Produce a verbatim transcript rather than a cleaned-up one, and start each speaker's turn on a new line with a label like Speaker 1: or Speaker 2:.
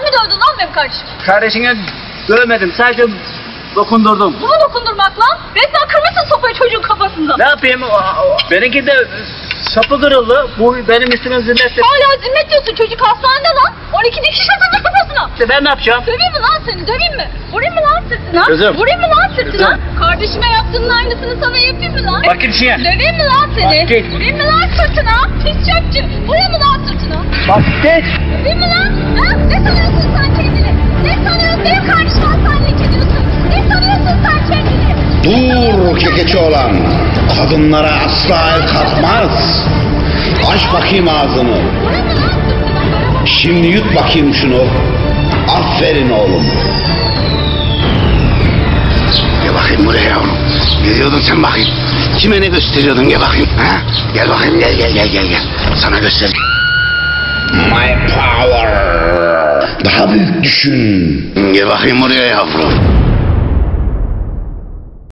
Speaker 1: dövdün lan benim kardeşim?
Speaker 2: Kardeşine dövmedim, sadece dokundurdum.
Speaker 1: Bu mu dokundurmak lan? Resmen kırmışsın sopayı çocuğun kafasında.
Speaker 2: Ne yapayım? O- o- Benimki de sapı kırıldı. Bu benim üstüme zilletti.
Speaker 1: Hala zimmet diyorsun, çocuk hastanede lan. on iki dikiş atıldı kafasına.
Speaker 2: İşte ben ne yapacağım?
Speaker 1: Döveyim mi lan seni, döveyim mi? Vurayım mı lan sırtına?
Speaker 2: Kızım.
Speaker 1: Vurayım mı lan sırtına?
Speaker 2: Kızım.
Speaker 1: Kardeşime yaptığının aynısını sana yapayım mı lan?
Speaker 2: Bak git işine.
Speaker 1: Döveyim mi lan seni?
Speaker 2: Bak git.
Speaker 1: Vurayım mı lan sırtına? Pis çöpçü. Vurayım mı lan sırtına?
Speaker 2: Bak git.
Speaker 1: Döveyim mi lan? Ha? Ne sanıyorsun sen kendini? Ne sanıyorsun? Benim kardeşim hastanelik ediyorsun. Ne sanıyorsun sen kendini?
Speaker 3: Dur kekeçi olan. Kadınlara asla el kalkmaz. Aç bakayım ağzını.
Speaker 1: Vurayım mı lan sırtına?
Speaker 3: Şimdi yut bakayım şunu. Aferin oğlum. Gel bakayım buraya yavrum. Ne diyordun sen bakayım? Kime ne gösteriyordun, gel bakayım. Ha? Gel bakayım, gel gel gel gel gel. Sana göster. My power. Daha büyük düşün. Gel bakayım buraya yavrum.